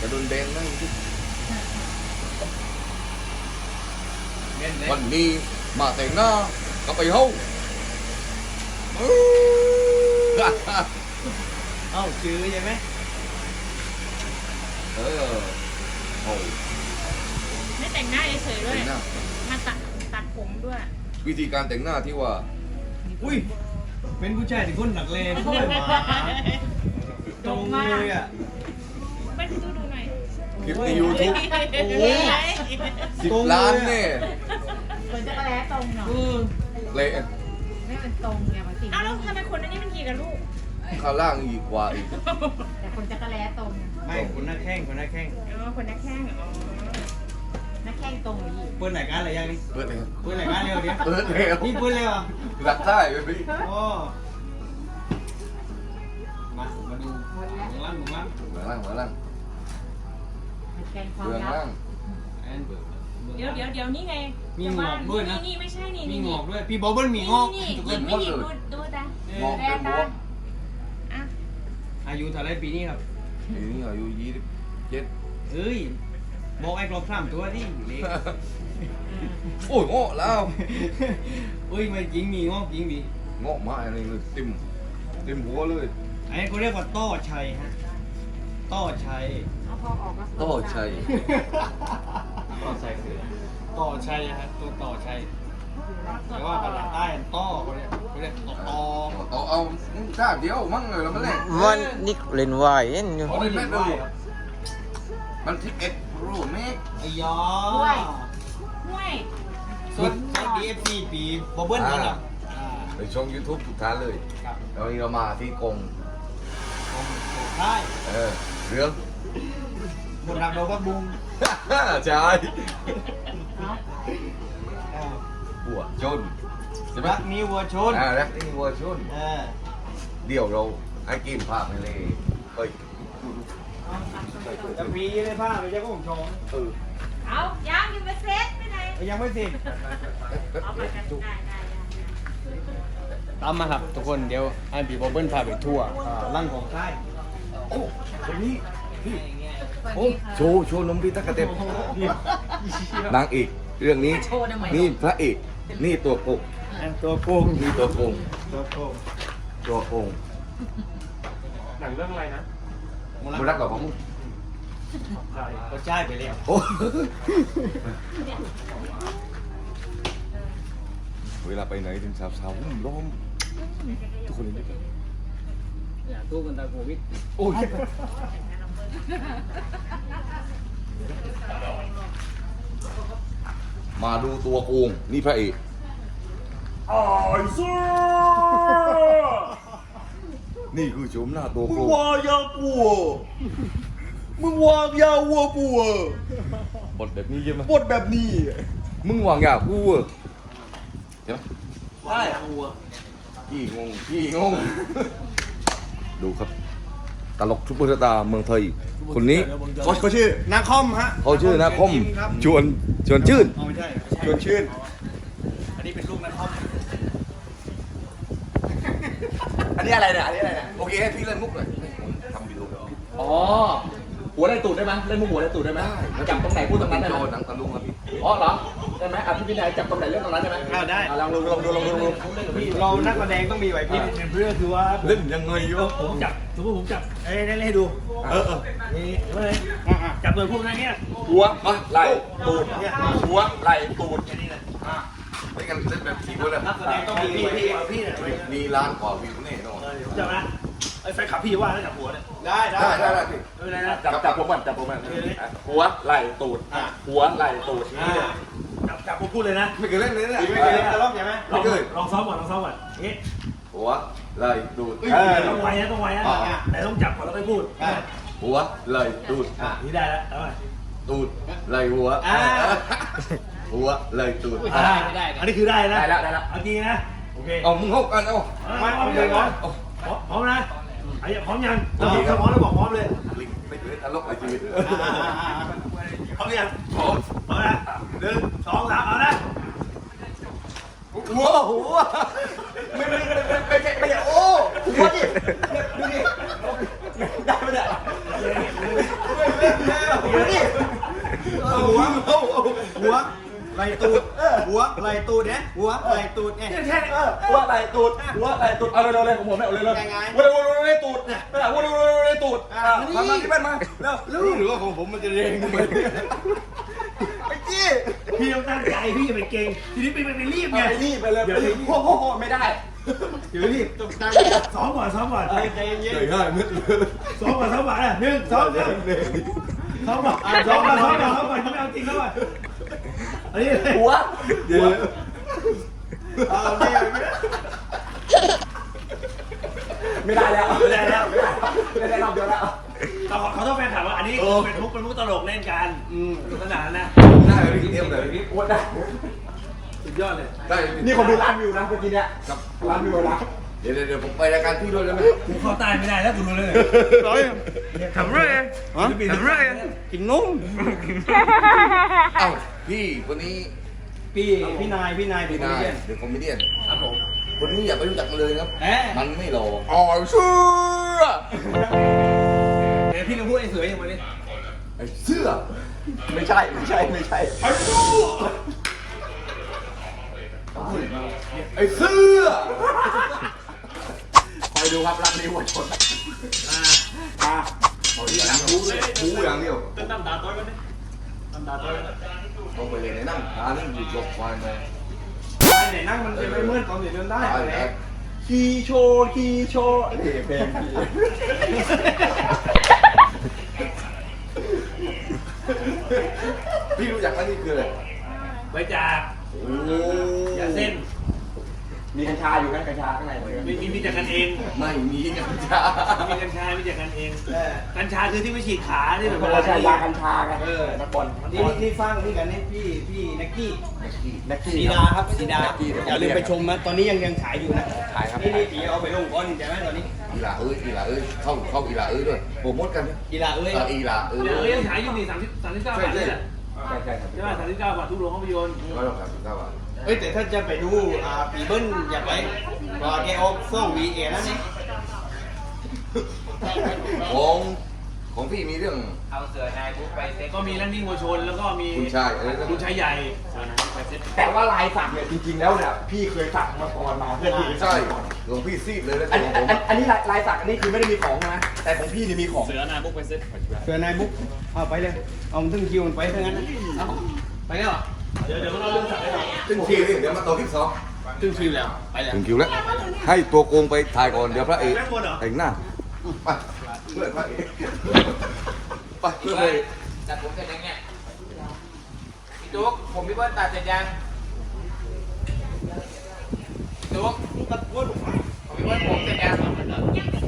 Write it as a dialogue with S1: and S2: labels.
S1: ระดุนแดงนั่งที่วันนี้มาแต่งหน้ากับไอ้เฮา
S2: เอ้าชื่อใช่ไหม
S1: โอ้
S3: ไม่แต่งหน้าเฉยๆด้วยมาตัดผมด้วย
S1: วิธีการแต่งหน้าที่ว่า
S2: อุ้ยเป็นผู้ชายที่คนหนักเลงด้วยมาตรงเลยอ่ะ
S3: ไปดูหน่อย
S1: คลิปใน YouTube
S3: โอ้ย
S1: 10 ล้านเนี่ย
S4: คนจะกระแลตรงเนาะ
S1: เละ
S4: ไม่เป็นตรงไงมาสิ
S3: อ้าวแล้วทำไมคนนี้มันกี่กับลูก
S1: ข้างล่างอีกกว่าอีก
S4: แต่คนจะกระแลตรง
S2: ไม่คนหน้าแข้งคนหน้าแข้ง
S3: คนนักแข้ง
S4: นักแข้งตรงนี้
S2: เปิดไหนกันอะไรยังนี่
S1: เปิดเลย
S2: เปิดไหนกันเร็วเดี๋ยว
S1: เปิดเร็ว
S2: นี่เปิดเร็ว
S1: หลักได้เลยพี่
S2: โอ้มาดูหลังล่างหลังล่าง
S1: เหมือนล่าง
S4: แกงความ
S1: เบื้อง
S4: ลับ
S1: ล่าง
S3: เดี๋ยวนี่ไง
S2: มีงอกด้วยนะ
S3: นี่ไม่ใช่นี่
S2: มีงอกด้วยพี่บอบเบิ้ลมีงอก
S3: นี่ไม่หยิบดูตาง
S1: อกเป็นบวม
S2: อายุเท่าไรปีนี้ครับ
S1: ปีนี้อายุ27
S2: เฮ้ยบอกไอ้กรอบ3ตัวดิเล็ก
S1: โอ้ยงอกแล้ว
S2: เฮ้ยไม่จริงมีงอกจริงดิ
S1: งอกมาอะไรเลยเต็มหัวเลย
S2: ไอ้เขาเรียกว่าต้อชัยฮะต้อชัย
S4: เอาพอออกมา
S1: ต่อชัย
S2: ต่อชัยคือต่อชัยฮะตัวต่อชัยแต่ว่าภาษาใต้ต้อเขาเรียกต่อ
S1: เอาจ้าเดียวมั่งเลยแล้วมันแหละ
S5: วันนี้เล่นวายเอ็นอยู่
S1: เอาเลยแม่ดูมัน11 Pro Max
S2: ไอ้ยอ
S3: ห้วย
S2: สุดDFC ปีบอบเบิ้ลนั่นแหละ
S1: ไปช่อง YouTube ทุกท่านเลยแล้วนี้เรามาที่กง
S2: ใช่
S1: เรื่อง
S2: หมดรักเราก็บุ้ง
S1: ใช่วัวชนใช่ไหม
S2: รักมีวัวชน
S1: รักนี่วัวชนเดี๋ยวเราไอ้กินภาพไปเลยเฮ้ย
S2: จะปีเลยผ้าไปเจ้าก็ผมชม
S3: เอายังไม่เสร็จไม่ไหน
S2: ยังไม่เสร็จ
S3: เอาไปกันได้
S2: ตามมาครับทุกคนเดี๋ยวไอ้บีบอบเบิ้ลพาไปทั่วร่างของค่าย
S1: โอ้คนนี้พี่โอ้โชว์นมพี่ตะกะเต็มนางเอกเรื่องนี้นี่พระเอกนี่ตัวโกงนี่ตัวโกง
S2: หนังเรื่องอะไรนะ
S1: มูรักกับผม
S2: ก็ใช่ไปเลย
S1: โอ้เวลาไปไหนถึงสาวๆล้อมทุกคนเลยกัน
S2: อย่าตู้กันตาโควิด
S1: โอ้ยมาดูตัวโกงนี่พระเอกไอ้ซ่านี่คือโฉมหน้าตัวโกงมึงวางยาปัวบทแบบนี้ใช่ไหมบทแบบนี้มึงวางยาปัวใช่ไหม
S2: ใช่ปัว
S1: พี่งงดูครับตลกซุปเปอร์สตาร์เมืองไทยคนนี้เขาชื่อ
S2: นาคอมฮะ
S1: เขาชื่อนาคอมชวนชื่น
S2: ไม่ใช่
S1: ชวนชื่น
S2: อันนี้เป็นลูกนาคอม
S1: อันนี้อะไรเนี่ยโอเคให้พี่เล่นมุกหน่อยทำวิดีโอ
S2: อ๋อหัวได้ตูดได้ไหมเล่นมุกหัวได้ตูดได้ไหมจับตรงไหนพูดตรงนั้นได้ไหม
S1: หนังตะลุงครับพี่
S2: อ๋อเหรอได้ไหมพี่นายจับตรงไหนเล่นตรงนั้นได้ไหมได้ลองดูเรานักแสดงต้องมีไหวพริบเพื่อคือว่า
S1: เล่นยังไงอยู่
S2: ผมจับสมมติผมจับเล่นให้ดูนี่เลยจับเลยพวกนั้นเนี้ย
S1: หัวไหล่ตูดหัวไหล่ตูดไม่กันเล่นแบบทีมเลย
S2: นักแสดงต้องมีพี่
S1: มีล้านกว่าวิวแน่นอน
S2: จับนะไอ้แฟนขับพี่ว่าแล้วจับหัวเนี่ยได้
S1: พี่
S2: ไม่ได้นะจับผมมันหัวไหล่ตูดหัวไหล่ตูดจับผมพูดเลยนะ
S1: ไม่เคยเล่นเลยเนี่ย
S2: ไม่เคยเล่นจะลองใช่ไหมลองซ้อมก่อนนี่
S1: หัวไหล่ตูด
S2: ต้องไวนะแต่ต้องจับก่อนแล้วค่อยพูด
S1: หัวไหล่ตูด
S2: นี่ได้แล้วเอาไป
S1: ตูดไหล่หัวหัวไหล่ตูด
S2: ไม่ได้อันนี้คือได้นะได้แล้วเอาจริงนะโอเค
S1: เอามึงเข้ากัน
S2: เอาเลยก่อนพร้อมนะไอ้พร้อมยังถ้าพร้อมแล้วบอกพร้อมเลย
S1: ไม่เคยตลกในชีวิต
S2: พร้อมยังพร้อมนะ1 2 3เอานะ
S1: หัวไม่โอ้หัวดิดูดิได้ไหมเนี่ย
S2: หัวไหลตูดหัวไหลตูดเนี่ยหัวไหลตูดเนี่ย
S1: แค่หัวไหลตูดหัวไหลตูดเอาเลยเลยของผมไม่เอาเลยเลยหัวเลยตูดเนี่ยหัวเลยตูดมาที่บ้านมาแล้วหรือว่าของผมมันจะเร่งไปไอ้จี้
S2: พี่ต้องตั้งใจพี่อย่าไปเก่งทีนี้ไปรีบไง
S1: รีบไปเลยโอ้โหไม่ได้
S2: เดี๋ยวรีบต้องตั้งซ้อมก่อนใจเย็น
S1: ง่ายมืดเลย
S2: ซ้อมก่อน1 2 ซ้อมก่อนไม่เอาจริงแล้วอ่ะอันนี้
S1: หัวเดี๋ยวไม่ได้แล้วไม่ได้รอบเดียวแล้ว
S2: เขาต้องแฟนถามว่าอันนี้เป็นมุกตลกเล่นกันสนุกสนานนะ
S1: ได้เลยพี่เอ็มเลยพี่อ้วนได้
S2: สุดยอดเลย
S1: ได้
S5: นี่คนดูล้านวิวนะเมื่อกี้เนี่ยล้านวิวนะ
S1: เดี๋ยวผมไปรายการพี่ด้วยแล้วไหม
S2: กูเข้าใต้ไม่ได้แล้วกูรู้เลย
S5: ทำเรื่อยทำเรื่อย
S2: กินนุ่ม
S1: เอ้าพี่คนนี้
S2: พี่นาย
S1: พี่นายเดี๋ยวคอมเมดี้
S2: ครับผม
S1: คนนี้อย่าไปรู้จักมันเลยครับ มันไม่หล่ออ๋อเชื่อ
S2: เดี๋ยวพี่ต้องพูดไอ้เสืออย่างวันนี้
S1: ไอ้เสื้อ
S5: ไม่ใช่
S1: ไอ้เสื้อไอ้เสื้อ
S5: คอยดูครับรักนี้วัวชน
S1: เอาที่หลังบูอย่างเดียว
S2: เป็นน้ำตาต้อยกันนี่น้ำตาต้อย
S1: ต้องไปเลยในนั่งหาเรื่องหยุดหลบควายมา
S2: ไหนนั่งมันจะไม่เมื่อยตอนเดินได้
S1: ตายแล้ว
S5: ขี่โชว์เพลงพี่
S1: พี่รู้จักไหมนี่คืออะไร
S2: ไปจาก
S1: โอ้
S2: อย่าเส้น
S5: มีกัญชาอยู่นะกัญชาข้างใน
S2: มีแต่กันเอง
S1: ไม่มีกัญชา
S2: มีกัญชามีแต่กันเองกัญชาคือที่ไม่ฉีดขาที่แบบ
S5: คนละชายากัญชาไงนักบอล
S2: นี่ฟังนี่กันนี่พี่นักกี้
S5: นักขี่
S2: สีดาครับสีดาอย่าลืมไปชมนะตอนนี้ยังฉายอยู่นะ
S5: ขายครับ
S2: นี่ตีเอาไปลงก้อนใช่ไหมตอนนี้
S1: อีหลาเอ้ยเข้าอีหลาเอ้ยด้วยโปรโมทกันนะ
S2: กีฬาเอ้ย
S1: อีหลาเอ้ย
S2: ยังฉายอยู่นี่39 บาทนี่แหละ
S5: ใช่ครับ
S2: ใช่ไหม39 บาททุกโรงภาพยนตร์
S1: 139 บาท
S2: เอ้ยแต่ถ้าจะไปดูปีเบิ้ลอยากไปก็แกเอาส่งวีเอแล้วนี่
S1: ของพี่มีเรื่อง
S2: เอาเสือนายบุ๊กไปเซ็ตก็มีลั่นนิ่งวัวชนแล้วก็มี
S1: คุณชาย
S2: คุณชายใหญ่เสือนายบุ๊กไปเซ็ต
S5: แต่ว่าลายสักเนี่ยจริงๆแล้วเนี่ยพี่เคยสักมาก่อนมาเพื่อนพี่
S1: ใช่หลวงพี่ซีดเลยนะ
S5: อันนี้ลายสักอันนี้คือไม่ได้มีของนะแต่ของพี่นี่มีของ
S2: เสือนายบุ๊กไปเซ็ตเสือนายบุ๊กเอาไปเลยเอาถึงคิวมันไปเท่านั้นเอาไปแล้วเดี๋ยวเราเรื่องสักให้เรา
S1: ถึงคิวนี่เดี๋ยวมาต่อคลิป2
S2: ถึงคิวแล้วไปแล้ว
S1: ถึงคิวแล้วให้ตัวโกงไปถ่ายก่อนเดี๋ยวพระเอกแต่งหน้าไปเพื่อนพระเอกไปเพื่อนเลย
S6: ตัดผมเสร็จยังเนี่ยพี่ตุ๊กผมพี่เบิ้ลตัดเสร็จยังพี่ตุ๊กผมพี่เบิ้ลผมเสร็จยัง